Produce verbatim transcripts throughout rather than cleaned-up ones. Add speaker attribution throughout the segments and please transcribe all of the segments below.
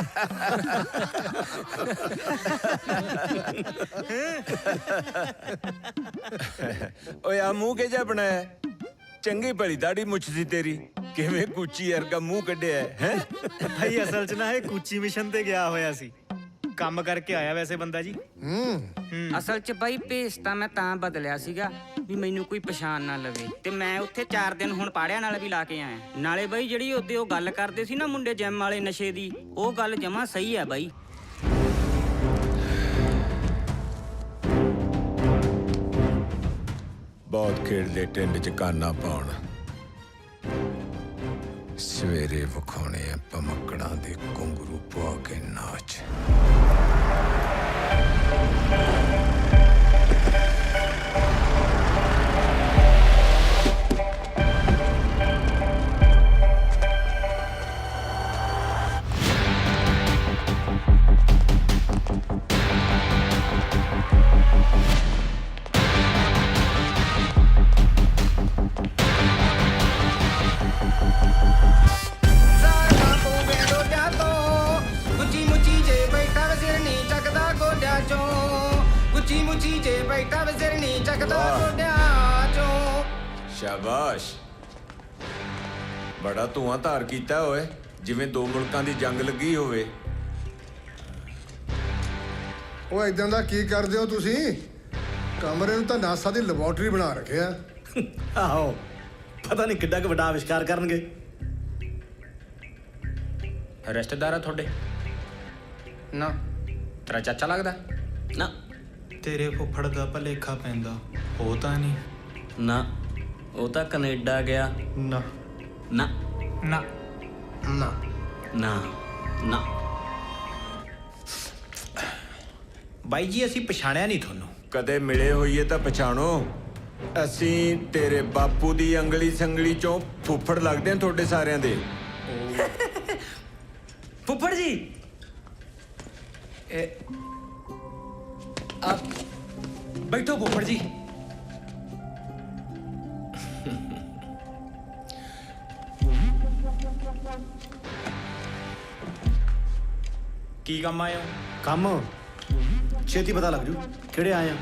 Speaker 1: ਓਏ ਆ ਮੂੰਹ ਕਿ ਜਾ ਬਣਾਇਆ? ਚੰਗੀ ਭਲੀ ਦਾੜੀ ਮੁੱਛ ਸੀ ਤੇਰੀ, ਕਿਵੇਂ ਕੂਚੀ ਵਰਗਾ ਮੂੰਹ ਕੱਢਿਆ ਹੈ?
Speaker 2: ਭਾਈ ਅਸਲ 'ਚ ਨਾ ਇਹ ਕੂਚੀ ਮਿਸ਼ਨ ਤੇ ਗਿਆ ਹੋਇਆ ਸੀ, ਕੰਮ ਕਰਕੇ ਆਇਆ ਵੈਸੇ ਬੰਦਾ ਜੀ।
Speaker 3: ਅਸਲ 'ਚ ਬਾਈ ਭੇਸ ਤਾਂ ਮੈਂ ਤਾਂ ਬਦਲਿਆ ਸੀਗਾ ਵੀ ਮੈਨੂੰ ਕੋਈ ਪਛਾਣ ਨਾ ਲਵੇ, ਤੇ ਮੈਂ ਉੱਥੇ ਚਾਰ ਦਿਨ ਹੁਣ ਪਾੜਿਆਂ ਨਾਲ ਵੀ ਲਾ ਕੇ ਆਇਆ। ਨਾਲੇ ਬਾਈ ਜਿਹੜੀ ਉਹਦੇ ਉਹ ਗੱਲ ਕਰਦੇ ਸੀ ਨਾ ਮੁੰਡੇ ਜਿਮ ਵਾਲੇ ਨਸ਼ੇ ਦੀ, ਉਹ ਗੱਲ ਜਮਾਂ ਸਹੀ ਹੈ ਬਾਈ।
Speaker 1: ਬਹੁਤ ਖੇਡਦੇ ਟਿੰਡ 'ਚ ਕਾਨਾ ਪਾਉਣ, ਸਵੇਰੇ ਵਿਖਾਉਣੇ ਆ ਭਮੱਕੜਾਂ ਦੇ ਘੁੰਗਰੂ ਪਾ ਕੇ ਨਾਚ। ਸ਼ਾਬਾਸ਼, ਬੜਾ ਧੂਆਂ ਧਾਰ ਕੀਤਾ ਓਏ, ਜਿਵੇਂ ਦੋ ਮੁਲਕਾਂ ਦੀ ਜੰਗ ਲੱਗੀ ਹੋਵੇ।
Speaker 4: ਉਹ ਇਦਾਂ ਦਾ ਕੀ ਕਰਦੇ ਹੋ ਤੁਸੀਂ? ਕਮਰੇ ਨੂੰ ਤਾਂ ਨਾਸਾ ਦੀ ਲੈਬੋਰਟਰੀ ਬਣਾ ਰੱਖਿਆ।
Speaker 2: ਆਹੋ, ਪਤਾ ਨਹੀਂ ਕਿੱਡਾ ਕੁ ਵੱਡਾ ਆਵਿਸ਼ਕਾਰ ਕਰਨਗੇ।
Speaker 5: ਰਿਸ਼ਤੇਦਾਰ ਆ ਤੁਹਾਡੇ?
Speaker 3: ਨਾ।
Speaker 5: ਤੇਰਾ ਚਾਚਾ ਲੱਗਦਾ?
Speaker 3: ਨਾ।
Speaker 6: ਤੇਰੇ ਫੁੱਫੜ ਦਾ ਭਲੇਖਾ ਪੈਂਦਾ, ਉਹ ਤਾਂ ਨਹੀਂ।
Speaker 3: ਨਾ, ਉਹ ਤਾਂ ਕੈਨੇਡਾ ਗਿਆ।
Speaker 6: ਨਾ
Speaker 3: ਨਾ
Speaker 6: ਨਾ
Speaker 4: ਨਾ
Speaker 3: ਨਾ ਨਾ।
Speaker 5: ਬਾਈ ਜੀ ਅਸੀਂ ਪਛਾਣਿਆ ਨਹੀਂ ਤੁਹਾਨੂੰ।
Speaker 1: ਕਦੇ ਮਿਲੇ ਹੋਈਏ ਤਾਂ ਪਛਾਣੋ। ਅਸੀਂ ਤੇਰੇ ਬਾਪੂ ਦੀ ਅੰਗਲੀ ਸੰਗਲੀ ਚੋਂ ਫੁੱਫੜ ਲੱਗਦੇ ਆ ਤੁਹਾਡੇ ਸਾਰਿਆਂ ਦੇ।
Speaker 3: ਫੁੱਫੜ ਜੀ,
Speaker 5: ਆਪ ਬੈਠੋ ਫੁੱਫੜ ਜੀ। ਕੀ ਕੰਮ ਆਏ ਹੋ?
Speaker 2: ਕੰਮ ਛੇਤੀ ਪਤਾ ਲੱਗ ਜੂ ਕਿਹੜੇ ਆਏ ਆ।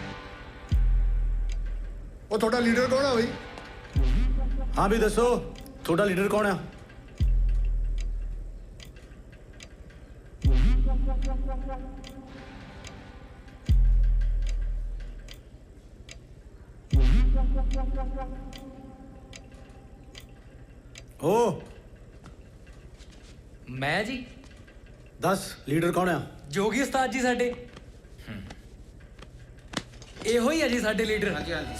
Speaker 4: ਉਹ ਤੁਹਾਡਾ ਲੀਡਰ ਕੌਣ ਆ ਬਈ?
Speaker 2: ਹਾਂ ਵੀ ਦੱਸੋ, ਤੁਹਾਡਾ ਲੀਡਰ ਕੌਣ ਆ? ਓ
Speaker 5: ਮੈਂ ਜੀ?
Speaker 2: ਦੱਸ ਲੀਡਰ ਕੌਣ ਆ?
Speaker 5: ਜੋਗੀ ਉਸਤਾਦ ਜੀ ਸਾਡੇ। ਇਹੋ ਹੀ ਆ ਜੀ ਸਾਡੇ ਲੀਡਰ। ਹਾਂਜੀ ਹਾਂਜੀ।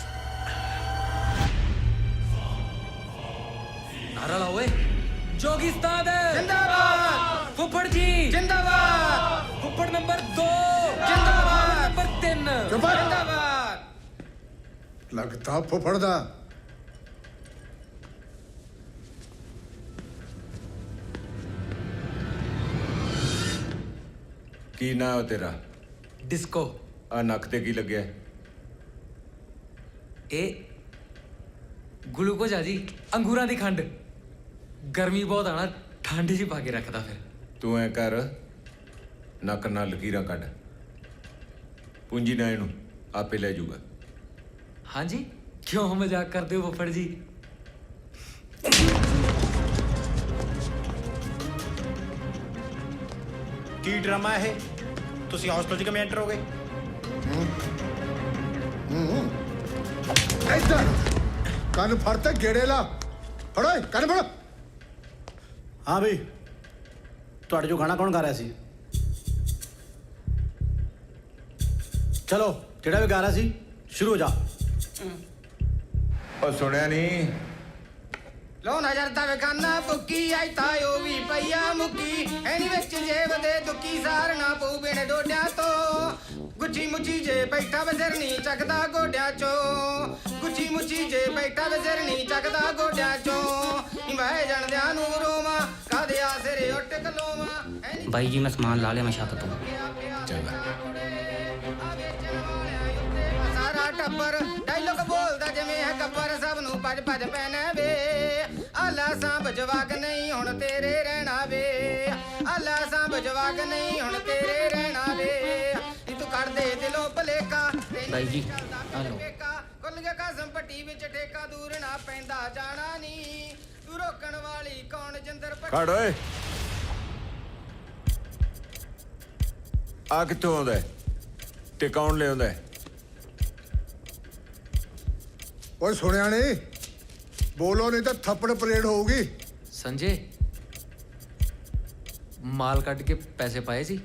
Speaker 5: ਨਾਰਾ ਲਾਓ ਓਏ। ਜੋਗੀ ਉਸਤਾਦ ਜਿੰਦਾਬਾਦ। ਫੁੱਫੜ ਜੀ ਜਿੰਦਾਬਾਦ। ਫੁੱਫੜ ਨੰਬਰ ਦੋ ਜਿੰਦਾਬਾਦ। ਨੰਬਰ ਤਿੰਨ ਜਿੰਦਾਬਾਦ।
Speaker 4: ਲੱਗਦਾ ਫੁੱਫੜ ਦਾ।
Speaker 1: ਕੀ ਨਾਂ ਹੈ ਤੇਰਾ?
Speaker 5: ਡਿਸਕੋ।
Speaker 1: ਆ ਨੱਕ ਤੇ ਕੀ ਲੱਗਿਆ?
Speaker 5: ਇਹ ਗਲੂਕੋਜ਼ ਆ ਜੀ, ਅੰਗੂਰਾਂ ਦੀ ਖੰਡ। ਗਰਮੀ ਬਹੁਤ ਆਣਾ, ਠੰਡ 'ਚ ਪਾ ਕੇ ਰੱਖਦਾ ਫਿਰ।
Speaker 1: ਤੂੰ ਐ ਕਰ, ਨੱਕ ਨਾਲ ਲਕੀਰਾਂ ਕੱਢ, ਪੂੰਜੀ ਨਾ ਇਹਨੂੰ, ਆਪੇ ਲੈ ਜਾਊਗਾ।
Speaker 5: ਹਾਂਜੀ, ਕਿਉਂ ਮਜ਼ਾਕ ਕਰਦੇ ਹੋ ਫੁੱਫੜ ਜੀ?
Speaker 2: ਕੀ ਡਰਾਮਾ ਇਹ? ਤੁਸੀਂ ਹੌਸਟਲ 'ਚ ਕਿਵੇਂ ਐਂਟਰ ਹੋ ਗਏ?
Speaker 4: ਇੱਧਰ ਕੰਨ ਫੜ ਤੇ ਗੇੜੇ ਲਾ। ਫੜੋ ਕੰਨ ਫੜੋ।
Speaker 2: ਹਾਂ ਬਈ, ਤੁਹਾਡੇ ਜੋ ਗਾਣਾ ਕੌਣ ਗਾ ਰਿਹਾ ਸੀ? ਚਲੋ, ਜਿਹੜਾ ਵੀ ਗਾ ਰਿਹਾ ਸੀ ਸ਼ੁਰੂ ਹੋ ਜਾ।
Speaker 1: ਉਹ ਸੁਣਿਆ ਨਹੀਂ?
Speaker 7: ਲੋ ਨਜ਼ਰ ਦਾ ਵੇਖਾਨਾ ਬੁੱਕੀ ਆਈ ਤਾਇਓ ਵੀ ਪਈਆ ਮੁੱਕੀ ਐਨੀ ਵਿੱਚ ਜੇਬ ਦੇ ਦੁੱਕੀ ਸਾਰਨਾ ਪਊ ਬਿਨ ਡੋਡਿਆਂ ਤੋਂ ਗੁੱਚੀ ਮੁੱਚੀ ਜੇ ਬੈਠਾ ਵਜ਼ਰਨੀ ਚੱਕਦਾ ਗੋਡਿਆਂ ਚੋਂ ਗੁੱਚੀ ਮੁੱਚੀ ਜੇ ਬੈਠਾ ਵਜ਼ਰਨੀ ਚੱਕਦਾ ਗੋਡਿਆਂ ਚੋਂ ਮੈਂ ਜਾਣਦਿਆਂ ਨੂੰ ਰੋਵਾਂ ਕਾਦੇ ਆਸਰੇ ਉੱਟ ਕਲੋਵਾਂ।
Speaker 3: ਬਾਈ ਜੀ ਮੈਂ ਸਮਾਨ ਲਾ ਲਿਆ ਮੈਂ ਛੱਤ ਤੋਂ।
Speaker 1: ਚੰਗਾ।
Speaker 7: ਸਾਰਾ ਟੱਬਰ ਡਾਇਲੋਗ ਬੋਲਦਾ ਜਿਵੇਂ ਹੈ ਗੱਬਰ ਸਭ ਨੂੰ ਭੱਜ ਭੱਜ ਪੈਣਾ ਵੇ ਆਲਾ ਸਾਂਭ ਜਵਾਕ ਨਹੀਂ ਹੁਣ ਤੇਰੇ ਰਹਿਣਾ ਵੇ ਆਲਾ ਜਵਾਕ ਨਹੀਂ ਹੁਣ ਤੇਰੇ ਰਹਿਣਾ ਵੇ ਨੀ ਤੂੰ ਕਰ ਦੇ ਦਿਲੋਂ ਭਲੇਖਾ
Speaker 5: ਬਾਈ ਜੀ, ਆ ਲਓ।
Speaker 7: ਖੁੱਲ ਗਿਆ ਕਸਮ ਪੱਟੀ ਵਿੱਚ ਠੇਕਾ ਦੂਰ ਨਾ ਪੈਂਦਾ ਜਾਣਾ ਨਹੀਂ ਤੂੰ ਰੋਕਣ ਵਾਲੀ ਕੌਣ ਜਿੰਦਰ ਪੱਟੀ
Speaker 1: ਖੜ ਓਏ ਆ ਕਿੱਥੋਂ ਆਉਂਦਾ ਹੈ? ਤੇ ਕੌਣ ਲਿਆਉਂਦਾ ਹੈ?
Speaker 4: ਓਏ ਸੁਣਿਆ ਨਹੀਂ ਬੋਲੋ ਨਹੀਂ ਤਾਂ ਥੱਪੜ ਪਰੇਡ ਹੋਊਗੀ।
Speaker 5: ਸੰਜੇ ਮਾਲ ਕੱਢ ਕੇ ਪੈਸੇ ਪਾਏ ਸੀ।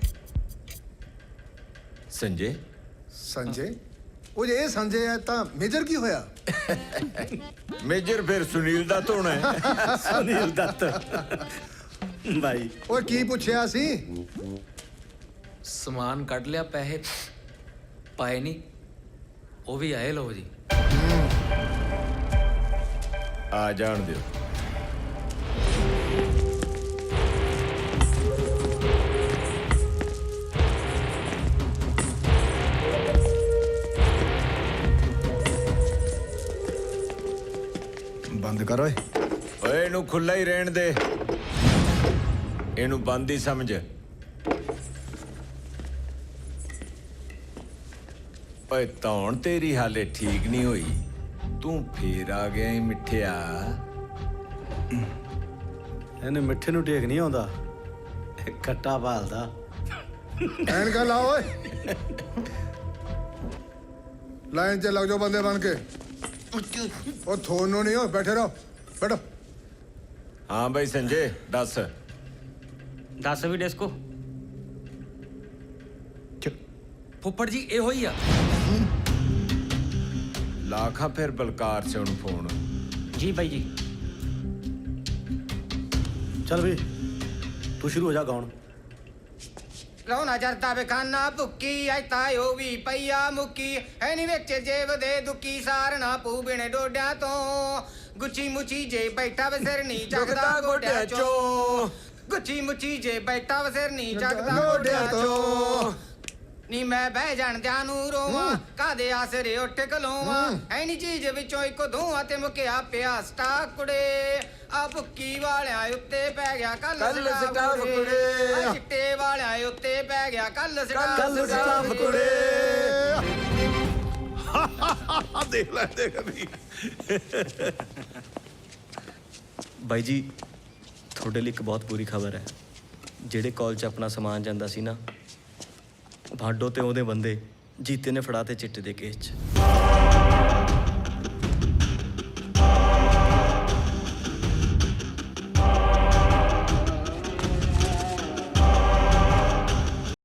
Speaker 1: ਸੰਜੇ
Speaker 4: ਸੰਜੇ ਉਹ ਜੇ ਇਹ ਸੰਜੇ ਹੈ ਤਾਂ ਮੇਜਰ ਕੀ ਹੋਇਆ?
Speaker 1: ਮੇਜਰ ਫਿਰ ਸੁਨੀਲ ਦਾ ਧੋਣਾ ਹੈ।
Speaker 2: ਸੁਨੀਲ ਦੱਤ ਬਾਈ
Speaker 4: ਓਏ ਕੀ ਪੁੱਛਿਆ ਸੀ?
Speaker 5: ਸਮਾਨ ਕੱਢ ਲਿਆ, ਪੈਸੇ ਪਾਏ ਨਹੀਂ। ਉਹ ਵੀ ਆਏ ਲੋ ਜੀ।
Speaker 1: ਆ ਜਾਣ ਦਿਓ।
Speaker 4: ਬੰਦ ਕਰ ਓਏ।
Speaker 1: ਓਏ ਇਹਨੂੰ ਖੁੱਲਾ ਹੀ ਰਹਿਣ ਦੇ, ਇਹਨੂੰ ਬੰਦ ਹੀ ਸਮਝ। ਓਏ ਧੌਣ ਤੇਰੀ ਹਾਲੇ ਠੀਕ ਨਹੀਂ ਹੋਈ, ਤੂੰ ਫੇਰ ਆ ਗਿਆ ਈ ਮਿੱਠਿਆ।
Speaker 2: ਇਹਨੇ ਮਿੱਠੇ ਨੂੰ ਟੇਕ ਨਹੀਂ ਆਉਂਦਾ, ਖੱਟਾ ਭਾਲਦਾ।
Speaker 4: ਐਨਕਾਂ ਲਾ ਓਏ। ਲਾਈਨ 'ਚ ਲੱਗ ਜਾਓ ਬੰਦੇ ਬਣ ਕੇ। ਉਹ ਥੋਨੋਂ ਨਹੀਂ ਹੋ, ਬੈਠੇ ਰਹੋ, ਬੈਠੋ।
Speaker 1: ਹਾਂ ਬਈ ਸੰਜੇ ਦੱਸ।
Speaker 3: ਦੱਸ ਵੀ ਡਿਸਕੋ।
Speaker 5: ਫੁੱਫੜ ਜੀ ਇਹੋ ਹੀ ਆ।
Speaker 1: ਲਾਖਾ ਫਿਰ ਬਲਕਾਰ ਸੇ ਉਹਨੂੰ ਫੋਨ।
Speaker 3: ਜੀ ਬਾਈ ਜੀ।
Speaker 2: ਚੱਲ ਵੀ ਤੂੰ ਸ਼ੁਰੂ ਹੋ ਜਾ ਗਾਉਣ।
Speaker 7: ਲਾਉਣਾ ਜਰਦਾ ਬੇਖਾਨਾ ਭੁੱਕੀ ਆਈ ਤਾਇਓ ਵੀ ਪਈਆ ਮੁੱਕੀ ਐਨੀ ਵਿੱਚ ਜੇਬ ਦੇ ਦੁੱਕੀ ਸਾਰਨਾ ਪੂ ਬਿਨੇ ਡੋਡਿਆਂ ਤੋਂ ਗੁੱਚੀ ਮੁੱਚੀ ਜੇ ਬੈਠਾ ਵੇ ਸਿਰ ਨਹੀਂ ਚੱਕਦਾ ਗੋਡਿਆਂ ਚੋਂ ਗੁੱਚੀ ਮੁੱਚੀ ਜੇ ਬੈਠਾ ਵੇ ਸਿਰ ਨਹੀਂ ਚੱਕਦਾ ਗੋਡਿਆਂ ਚੋਂ ਨੀ ਮੈਂ ਬਹਿ ਜਾਣਦਿਆਂ ਨੂੰ ਰੋਵਾਂ ਕਾਦੇ ਆਸਰੇ ਉੱਠ ਖਲੋਵਾਂ ਐਨੀ ਚੀਜ਼ ਵਿੱਚੋਂ ਇੱਕ ਧੂਆਂ ਤੇ ਮੁਕਿਆ ਪਿਆ ਸਟਾਕ ਕੁੜੇ ਆ ਭੁੱਕੀ ਵਾਲਿਆਂ ਉੱਤੇ ਪੈ ਗਿਆ ਕੱਲ ਸਟਾਫ ਕੁੜੇ ਆ ਚਿੱਟੇ ਵਾਲਿਆਂ ਉੱਤੇ ਪੈ ਗਿਆ ਕੱਲ ਸਟਾਫ ਕੁੜੇ
Speaker 1: ਦੇਖ ਲੈ ਦੇਖ ਵੀ।
Speaker 8: ਬਾਈ ਜੀ ਤੁਹਾਡੇ ਲਈ ਇੱਕ ਬਹੁਤ ਬੁਰੀ ਖਬਰ ਹੈ। ਜਿਹੜੇ ਕਾਲ 'ਚ ਆਪਣਾ ਸਮਾਨ ਜਾਂਦਾ ਸੀ ਨਾ, ਭਾਡੋ ਤੇ ਉਹਦੇ ਬੰਦੇ ਜੀਤੇ ਨੇ ਫੜਾ ਤੇ ਚਿੱਟੇ ਦੇ ਕੇਸ 'ਚ।